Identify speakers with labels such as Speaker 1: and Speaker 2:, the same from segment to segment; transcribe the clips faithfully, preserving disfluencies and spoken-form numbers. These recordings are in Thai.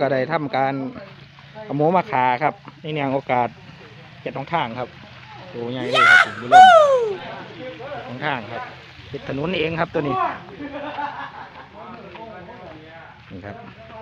Speaker 1: ก็ได้ทำการเอาหมูมาขาครับในเนื่องโอกาสเจ็ดท้องทางครับโอ้ใหญ่เลยครับบุญท้องทางครับปิดถนนเองครับตัวนี้นี่ครับ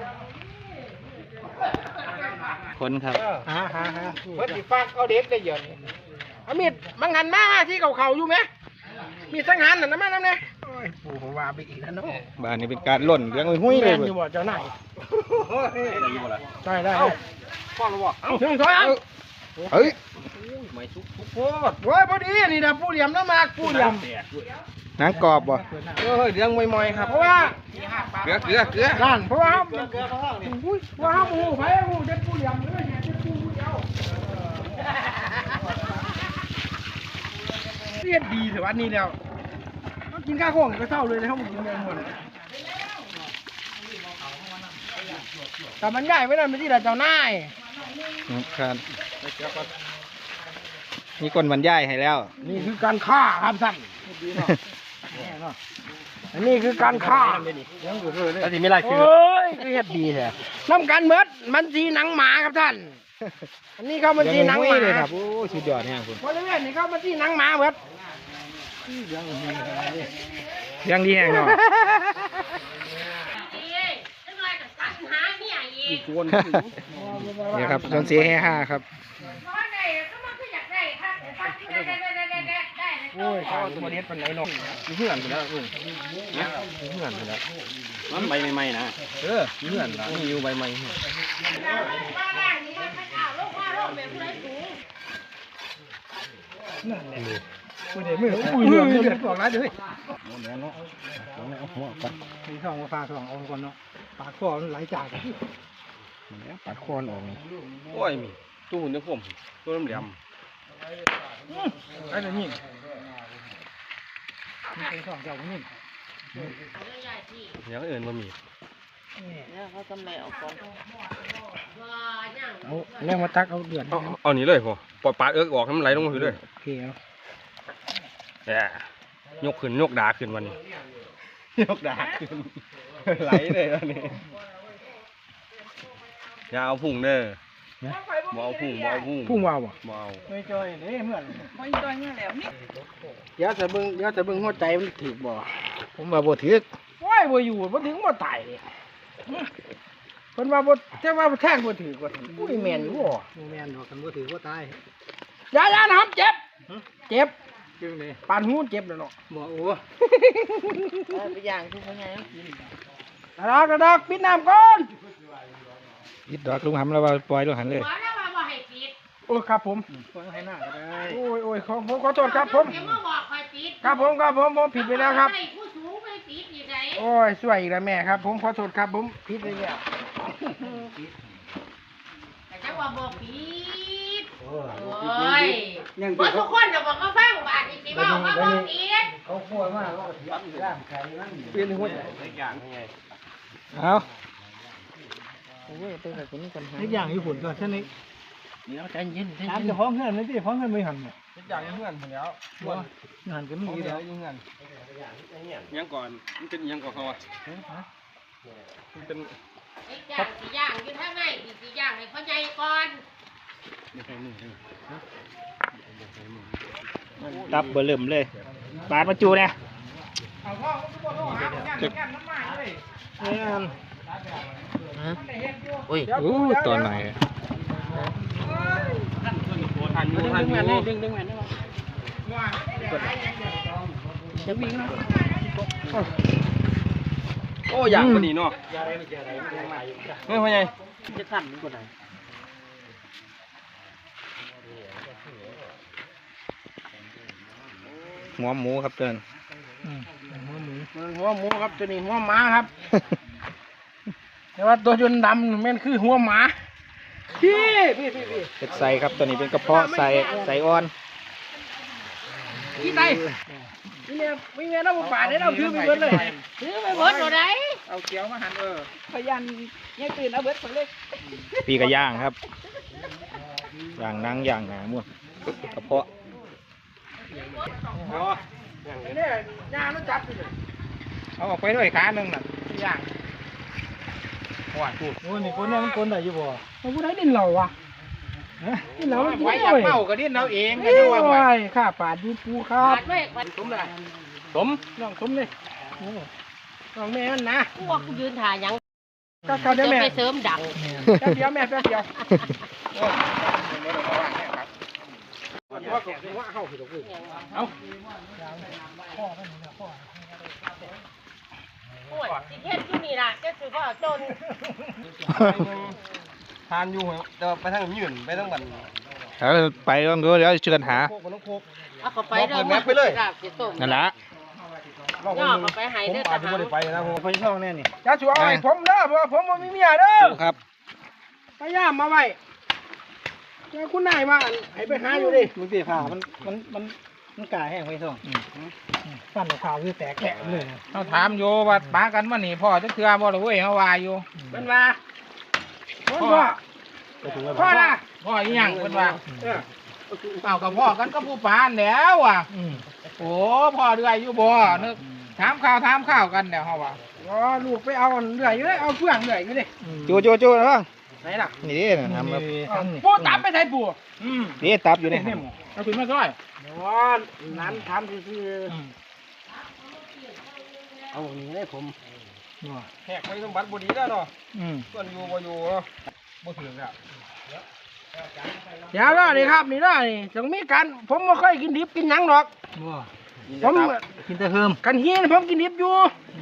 Speaker 1: คนครับ
Speaker 2: ฮ่าฮ่าฮ่าเพิ่นสิฝากเอาเด็กได้เยอะนี่เอามีดมังหันมาที่เขาเขาอยู่ไหมมีสังหารน่ะนะมาน้ำเนี่ยโอ้ยปู่ผมว่าไปอีกแล้วเนาะ
Speaker 1: บ้านนี้เป็นการล่นเรื่องหุ้ยเลย
Speaker 2: อยู่บ่เจ้าหน้าได้ได้ฟ้องหรือบ่เอาถึงถอยเอา
Speaker 1: เฮ้ย
Speaker 2: ไม่ชุกชุกโคตรโว้ยพอดีนี่นะผู้เหลี่ยมน้ำมากผู้เหลี่ยม
Speaker 1: หนังกรอบบ่
Speaker 2: เออเรื่องมอยๆครับเพราะว่า
Speaker 1: เกลือเกลือเกลือ
Speaker 2: นั่นเพราะว่าเกลือเกลือเขาห้องนี่ว่าห้องหูไผ่หูเด็ดผู้เหลี่ยมเลยเนี่ยเด็ดผู้ผู้เดียวเรียนดีแต่วันนี้แล้วกินข้าวของก็เศร้าเลยนะเขาบอกกินเงินหมดแต่มันใหญ่ไม่ได้ไม่ที่แต่เจ้านาย
Speaker 1: ครับมีคนบรรยายให้แล้ว
Speaker 2: นี่คือการฆ่าครับท่านอันนี้คือการฆ่า
Speaker 1: อันนี้ไม่ไรคือ
Speaker 2: โอ้ยคือเฮ็ดดีแท้น้ำกันเมิดมันสีหนังหมาครับท่านอันนี้เขามันสีหนังหมา
Speaker 1: เลยครับโอ้สุดยอดเนี่ยคุณ
Speaker 2: บริเวณนี้เขามันสีหนังหมาเมิด
Speaker 1: ยังดีแห้งเนาะนี่ครับจนเสียให้ห้าครับ
Speaker 2: โอ้ยข้าวตัวนี้เป็นไหนนกมีเหื่อนไปแล้วลุงนะมีเหื่อนไปแล้ว
Speaker 1: มันใบใหม่ๆนะ
Speaker 2: เออมีเหื่อนแล้วมีอยู่ใบใหม่นั่นแหละมือเดือดมืออุ้ยเดือดเดือดบอกร้ายเลยเดี๋ยวเนาะเอาหัวกันมีช่องมาฟาสององค์ก่อนเนาะปากคอไหลจาก
Speaker 1: ปากคอนออก
Speaker 3: โอ้ยมีตู้หุ่นเนี่ยผมตัวน้ำเหลี่ยม
Speaker 2: ไอ้ตัวนี้มีเป็นสองเจ้านี่
Speaker 3: อย่างอื่นมันมี
Speaker 4: เนี่ยเขาทำไรออกก่อน
Speaker 2: เอาเรื่องมาตักเอาเดือด
Speaker 3: เอาเอานี้เลยพอปล่อยปลาเอิ๊กออกให้มันไหลลงมาคือเลย
Speaker 2: โอเคเอา
Speaker 3: แหมยกขึ้นยกดาขึ้นวันนี้
Speaker 2: ยกดาขึ้น
Speaker 3: ไหลเลยวันนี้อย่าเอาพุ่งเด้อบ่เอาพุ่งบ่เอาพุ่ง
Speaker 2: พุ่งวาวอ่ะ
Speaker 3: บ่เอา
Speaker 2: ไม่จอยเด้เหมือน
Speaker 4: ไม่จอยเงี้ยแล้วนี่
Speaker 2: เดี๋ยวจะเบิ่งเดี๋ยวจะเบิ่งหัวใจมันถือบ่
Speaker 1: ผมว่าบ่ถือ
Speaker 2: ว้ายบ่อยู่บ่ถึงบ่ตายเลยเพิ่นว่าบ่แต่ว่าแท่งบ่ถือกว่าอุ้ยแม่นอยู่บ่แม่นดอกคันบ่ถือบ่ตายอย่าๆนะครับเจ็บเจ็บจึงนี่ปานหูเจ็บแล้วเนาะบ่โอ้
Speaker 4: ไปย่างทุกคนไงกิน
Speaker 2: กระดากกระดากปิดน้ำก่อน
Speaker 1: ยิดดอกลุงหำแล้วว่าปล่อยลุงหันเลย
Speaker 2: โอ้ครับผมให้หน้าก็ได้โอ้ยโอ้ยขอผมขอโทษครับผมครับผมครับผมผมผิดไปแล้วครับโอ้ยสวยอีกแล้วแม่ครับผมขอโทษครับผมผิดไปแล้ว
Speaker 4: แต่จังว่าบอกผิดโอ้ยบ่ทุกคนจะบอกเขาฟังบาดอีกสิว่าเขาบอกผิด
Speaker 2: เขาคั่วมากเขาถือร่างกายนั่นเปลี่ยนหัวใจอย่างไง
Speaker 1: เอา
Speaker 2: โอ้ยเป็นแบบนี้กันฮะอย่างญี่ปุ่นก่อนเช่นนี้เดี๋ยวใจเย็นใจเย็นจะฟ้องเพื่อนไม่ใช่ฟ้องเพื่อนไม่หันเนี่ย
Speaker 3: อย่างเพื่อนผมแล้ว
Speaker 2: หันก็มี
Speaker 3: แล้วยังเงินยังก่อนมันเป็นยังก่อนเขาอ่ะมันเป็น
Speaker 4: ย่างสีย่างอยู่ข้างในสีย่างให้เขาใหญ่ก่อน
Speaker 1: ตับเบอร์เริ่มเลยบาดมาจูเนี่ย
Speaker 4: อุ้ย
Speaker 1: อู้ตัวไหน
Speaker 3: ทันอยู่ทันอยู่
Speaker 2: ดึงดึงแม่ดึงจะวิ่งนะ
Speaker 3: โอ้อย่างคนนี้เนาะไม่พอไง
Speaker 2: จะทันกว่าไหน
Speaker 1: หัวหมูครับเตือน
Speaker 2: หัวหมูหัวหมูครับตัวนี้หัวหมาครับแต่ว่าตัวจนดำมันคือหัวหมาพี่พี่พี่พี่
Speaker 1: เป็นไส้ครับตัวนี้เป็นกระเพาะไส้ไส้อ่อน
Speaker 2: พี่ไตพี่เนี่ยพี่เนี่ยเราป่าเนี่ยเราถือไปเบิดเลย
Speaker 4: ถือไปเบิดตัวไหน
Speaker 2: เอาเกี๊ยวมาหั่นเออ
Speaker 4: พยันยังตื่นเอาเบิดไปเลย
Speaker 1: ปีกระย่างครับย่างนั่งย่างหนาม้วนกระเพาะ
Speaker 2: อ๋อเนี่ยย่างมันจับไปเลย
Speaker 1: เอาออกไปด้วยขาหนึ่งน่ะ
Speaker 2: ย่าง
Speaker 3: ว่าพูดโอ้ยนี่คนนี้มันคนไหนอยู่บ่
Speaker 2: เราผู้ใดดินเราวะดินเรามันกิน
Speaker 3: ไว้
Speaker 2: ได้
Speaker 3: อยาก
Speaker 2: เว้ย
Speaker 3: เมาก็ดิ้นเราเอง
Speaker 2: เอ้ยข้าป่าดยูปูครับ
Speaker 4: บาดไม่บาด
Speaker 3: สมเลยสม
Speaker 2: น้องสมเลยน้องแม่มันนะ
Speaker 4: กูว่ากูยืนถ่ายยัง
Speaker 2: ก็เขาเดี๋ยว
Speaker 4: จะ
Speaker 2: แม่
Speaker 4: ไปเสริมดัง
Speaker 2: แป๊บเดียวแม่แป๊บเดียว
Speaker 3: ว่าก็ว่าเข้าผิดหรือเอา
Speaker 4: โอ้ยสิเฮ็ดอยู่นี่ล่ะจะคือว่าจน
Speaker 3: ทานอยู่เดี๋ยวไปทางยืนไปทางบัน
Speaker 1: แล้วไปต้องดูเดี๋ยวเชิญหา
Speaker 3: โคกมันต้องโคก
Speaker 4: เอาเข้าไปเด้อ
Speaker 3: บอกเปิดแมปไปเลย
Speaker 4: ราบสิต้ม
Speaker 1: นั่นละ
Speaker 4: ย่อเข้าไปให้
Speaker 3: ผม
Speaker 4: เด้อ
Speaker 3: อา
Speaker 4: ท
Speaker 3: จจะไม่
Speaker 4: หาร
Speaker 3: ได้ไปนะผมไปช่องแน่นี่
Speaker 2: จะช่วยผมเด้อเพราะว่าผมบ่มีเมียเด้อ
Speaker 1: ดูครับ
Speaker 2: พยายามมาไว้เจ้าคุณนายมาให้ไปหาอยู่ดิ
Speaker 3: มึงตีผ่ามันมันมันมันกายแห้งไปช่อง
Speaker 2: ฟันขาวคือแตกแกะเลย
Speaker 5: เขาถามอยู่ว่าปากันมานี่พ่อจะเทือบ่หรือเว้ยเขาว่าอยู่
Speaker 2: เป็นว่าพ่อพ่อนะ
Speaker 5: พ่ออีหยังเพิ่นว่าเปล่ากับพ่อกันก็ผู้ปานแล้วอ่ะโอ้พ่อเดือยอยู่บ่นึกถามข่าวถามข่าวกันเดี๋ยวเขาว่า
Speaker 2: อ๋อลูกไปเอาเหนื่อยอยู่เลยเอาเพื่อนเหนื่อยอยู่ดิ
Speaker 1: จูจูจูนะบ้าง
Speaker 2: ไหนล่ะ
Speaker 1: นี่ดิทำแบบ
Speaker 2: ปูตับไปใส่ปู
Speaker 5: อืม
Speaker 1: นี่ตับอยู่นี่
Speaker 5: เอาขึ้นมาซอย
Speaker 2: อ๋อนั้นทำคือ
Speaker 3: เอาอย่างนี้ได้ผมแหกไปต้องบัตรบดีแล้วเนาะ
Speaker 1: อืม
Speaker 3: ส่วนอยู่บ่อยู่เนาะบ่ถึงแล้ว
Speaker 2: อย่าล่ะนี่ครับนี่ล่ะนี่ต้องมีการผมไม่ค่อยกินดิบกินหยังหรอกผม
Speaker 3: กินแต่เพิ่ม
Speaker 2: กันเฮียนผมกินดิบอยู่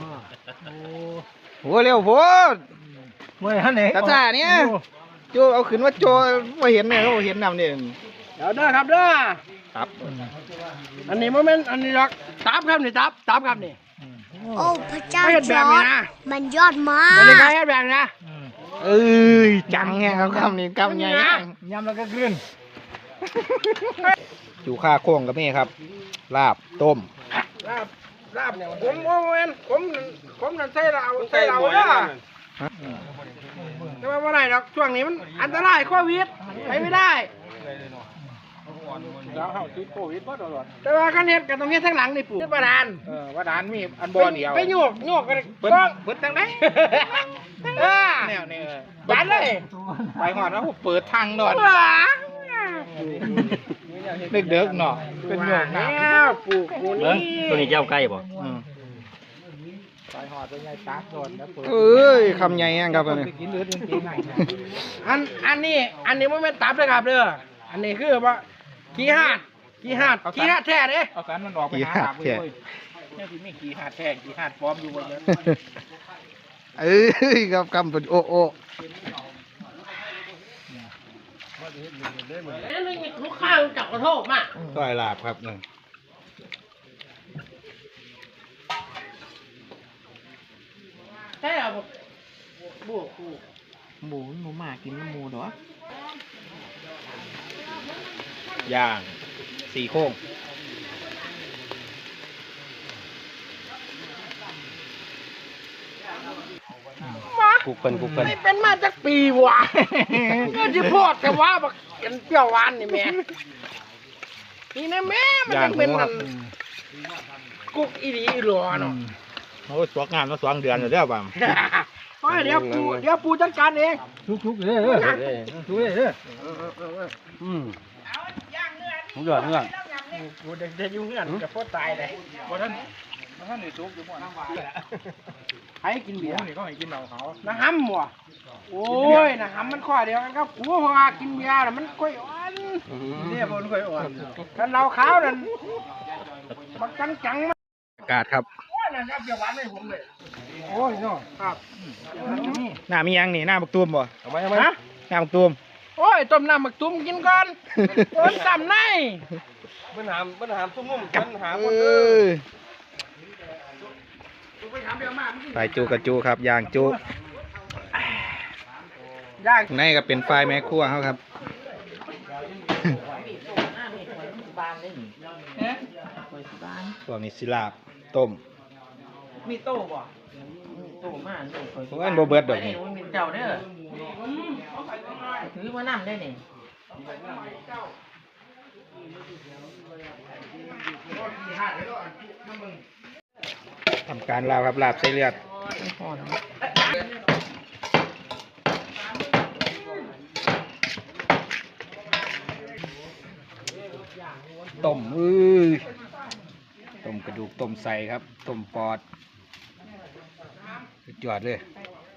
Speaker 1: โอ้เร็วโพด
Speaker 3: เมื่อท่านไหน
Speaker 1: ตาจ่าเนี่ยจูเอาขึ้นว่าโจมาเห็นเนี่ยเขาเห็นนำเนี่ย
Speaker 2: เดี๋ยวเด้อครับเด้อ
Speaker 1: ครับ
Speaker 2: อันนี้โมเมนต์อันนี้หรอกตับครับนี่ตับตับครับนี่
Speaker 6: โอ้พระเจ้า
Speaker 2: ไม่เห็น
Speaker 6: จ
Speaker 2: แบบ
Speaker 6: อ
Speaker 2: นี้
Speaker 6: ร์ด
Speaker 2: นะ
Speaker 6: มันยอดมา
Speaker 2: มันเลย
Speaker 6: ก
Speaker 2: ไงเฮ็ดแบบนี้นะ
Speaker 1: เอ้ยจังไงครับคำนี้คำใหญ่
Speaker 5: ยำแล้วก็ขึ้น
Speaker 1: อยู่ข้าโค้งกับแม่ครับ ลาบต้ม
Speaker 2: ลาบลาบผมโมเมนต์ผมผมนั่นใส่เราใส่เราเด้อแต่ว่าเมื่อไหร่หรอกช่วงนี้มันอันตรายโควิดไปไม่ได้
Speaker 5: แล้วเขาติดโควิดบ่ตลอด
Speaker 2: แต่ว่าคันเฮ็ดกันตรงนี้ทั้งหลังนี่ปู่ประดาน
Speaker 5: เออว่าดานมีอันบ่เดียว
Speaker 2: ไปโยกโยกกัน
Speaker 5: เปิด
Speaker 2: ต้อง
Speaker 5: เปิดจังได๋
Speaker 2: เออ
Speaker 5: แนวนี้
Speaker 2: บานเลย
Speaker 5: ไปฮอดแล้วเปิดทางดอด
Speaker 2: ว้า
Speaker 5: เด็กๆเนาะเป็นโยก
Speaker 2: แล้
Speaker 5: น้
Speaker 2: วปู่ปู่นี่
Speaker 3: ตัวนี้เจ้าใกล้บ่
Speaker 1: อืม
Speaker 5: ไปฮอดเป็นไงตากดอนแล้วเปิด
Speaker 1: เอ้ยคำใหญ่ยังครับอันนี้
Speaker 5: ไปกินเลือดจริงๆ
Speaker 2: อันอันนี้อันนี้มันเป็นตับเลยครับเด้ออันนี้คือว่าขี้หาดขี้หาดขี้หาดแท้เด้
Speaker 5: เอาการมันออกไปหาหาเว้ยเนี่ยที่มีขี่หาดแท้ขี่หาดปลอมอยู่บนนั้น
Speaker 1: เอ้ยครับคำเป็นโอโอ
Speaker 4: แล้วมันมีลูกข้างจับกระโทกมา
Speaker 1: ซอยลาบครับหนึ่ง
Speaker 4: ใช่เหรอบุกกู
Speaker 5: หมูหมูหมากินหมูเนาะ
Speaker 1: ย่างสี่โค้ง
Speaker 2: มา
Speaker 3: กุกเพิ่นกุกเพิ่น
Speaker 2: ไม่เป็นมาจากปีวะก็ที่โพดแต่ว่าบักเป็นเปรี้ยวหวานนี่แม่นี่นะแม่มัน
Speaker 1: ย่า
Speaker 2: จะ
Speaker 1: งห
Speaker 2: เป็น
Speaker 1: มูค
Speaker 2: มั
Speaker 1: รับ
Speaker 2: นกุกอีหลีอีหลอเนาะ
Speaker 1: โอ้ยสวกงานมาสองเดือนอยู่แล้วบ้าง
Speaker 2: โอ้ยเดี๋ยวปูเดี๋ยวปูจัดการเอง
Speaker 5: ทุกๆเลยเด้อทุกเลยเด้อ
Speaker 3: อืมผมยอดเงื่อน
Speaker 2: กูเด็กจะยุ่งเงื่อนจะโคตรตายเลย
Speaker 5: บ่ท่านบ่ท่านได้ทุกอยู่บ่นะ
Speaker 2: ใครกิน
Speaker 5: หมู
Speaker 2: เบียร์
Speaker 5: นี่ก็ให้กินเหล้าเขา
Speaker 2: นะฮัมว่ะโอ้ยนะฮัมมันข้อเดียวกันครับกูเพราะว่ากินเบียร์น่ะมันค่อยอ่อนเนี่ยมันค่อยอ่อนกันเราขาวนั่นบักจังจังๆมัน
Speaker 1: อากาศครับ
Speaker 2: โอ้ยนะครับเบียร์หวานให้ผมเลยโอ้ยเนาะครับ
Speaker 1: หน้ามียังนี่หน้าบักตูมบ่
Speaker 3: เอาไว้เอาไว้
Speaker 2: ฮะ
Speaker 1: หน้าบักตูม
Speaker 2: โอ้ยต้มน้ำหมักตุ้มกินก่อนโอนซ้ำใน
Speaker 3: ปัญหาปัญหาตุ้มนุ่มปัญหา
Speaker 1: เอ
Speaker 3: คนเด้อ้
Speaker 1: ยไปจูกับจูครับย่างจู
Speaker 2: ย่าง
Speaker 1: ในก็เป็นไฟแม่ครัวเขาครับ พวกนี้สิลาบต้ม
Speaker 5: มีโต้บ่
Speaker 1: พวกนั้นโบเบิร์ดดอกนี่
Speaker 4: มีเจ้าเด้อถือมานั่ได้นี่
Speaker 1: ทำการลาบครับลาบใส่เลือดต้มอื้อต้มกระดูกต้มใส่ครับต้มปอดสุดยอดเลย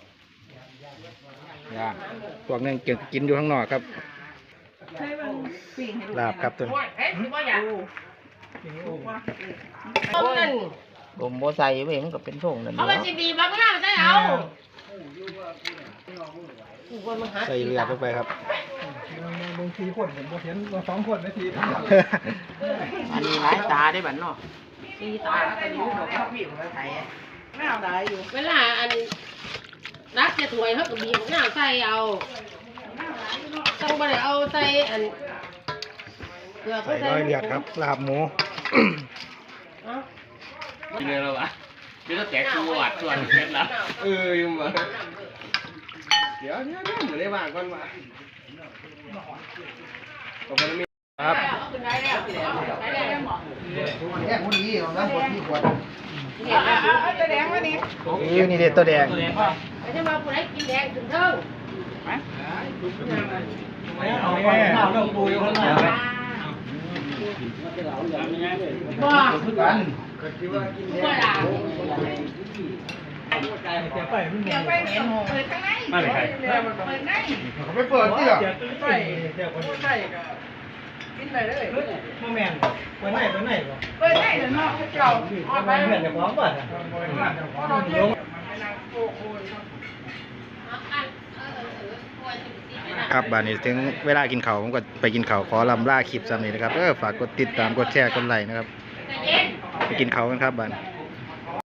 Speaker 1: ย่างพวกนึงเก็บกินอยู่ข้างนอกครับลาบครับตัวนี้
Speaker 4: เฮ้ยสิบ่อยากต้มนั่น
Speaker 2: ผมบ่ใส่เว้ยมันก็เป็นโถงนั่น
Speaker 4: เขา
Speaker 2: แห
Speaker 4: ไป
Speaker 2: ละ
Speaker 4: สิบีบางหน้าใส่เอากูว่ามันหา
Speaker 1: ใส่เลือดลงไปครับ
Speaker 2: บางทีคนผมบ่เห็นสองคนนาทีอันนี้หลายตาได้บัดเนาะ
Speaker 4: สีตาก็อยู่บอกว่าพี่ของไทยไม่เอาได้อยู่เวลาอันรักจะถวยเขาก็บีบหน้าใส่เอาต้องไปเอาใส่อันเกลือก็
Speaker 1: ใส่
Speaker 4: ใส่
Speaker 1: ร้อยเลือดครับลาบหมู
Speaker 3: กินเลยแล้ววะเดี๋ยวจะแตกตัวหวาดส่วนเสร็จแล้วเออยังมาเดี๋ยวเดี๋ยวเดี๋ยวเหมือนได้บ้างก่อนมาตรงนี้
Speaker 1: ครับ
Speaker 4: เอาขึ้นได้แล้วได้แล้วหมอ
Speaker 2: แค่คนนี้ของน้ำคนที่ขวด
Speaker 4: เนี่ยเอาตัวแดงมานี่
Speaker 1: นี่นี่เด็ดตัวแดง
Speaker 4: ไม่ใช่ว่าผู้ใดกินแดงถึงเทิง
Speaker 2: เอาแค่เอาเรื่องปูอยู่ข้างหน้า
Speaker 4: บ่
Speaker 2: กัน
Speaker 4: บ่ล่ะ
Speaker 2: เสียไปมัน
Speaker 4: เดี๋ยวไปเห็นเปิดข้างในมาเลยเปิดใน
Speaker 2: เขาไปเปิดที่หรอ
Speaker 4: ใส่ใส่ก็กินได้เลย
Speaker 2: โมแมนเปิดไหนเปิดไหนบ่
Speaker 4: เปิดได้แล้วเนาะเจ้าเอาไป
Speaker 2: เพื่อนจะพร้อมป่ะ
Speaker 1: ครับบานนี้ถึงเวลากินข้าวผมก็ไปกินข้าวขอลำล่าคลิปซ้ำนี้นะครับเออฝากกดติดตามกดแชร์กดไลค์นะครับ
Speaker 4: เย็น
Speaker 1: ไปกินข้าวกันครับบาน
Speaker 4: เ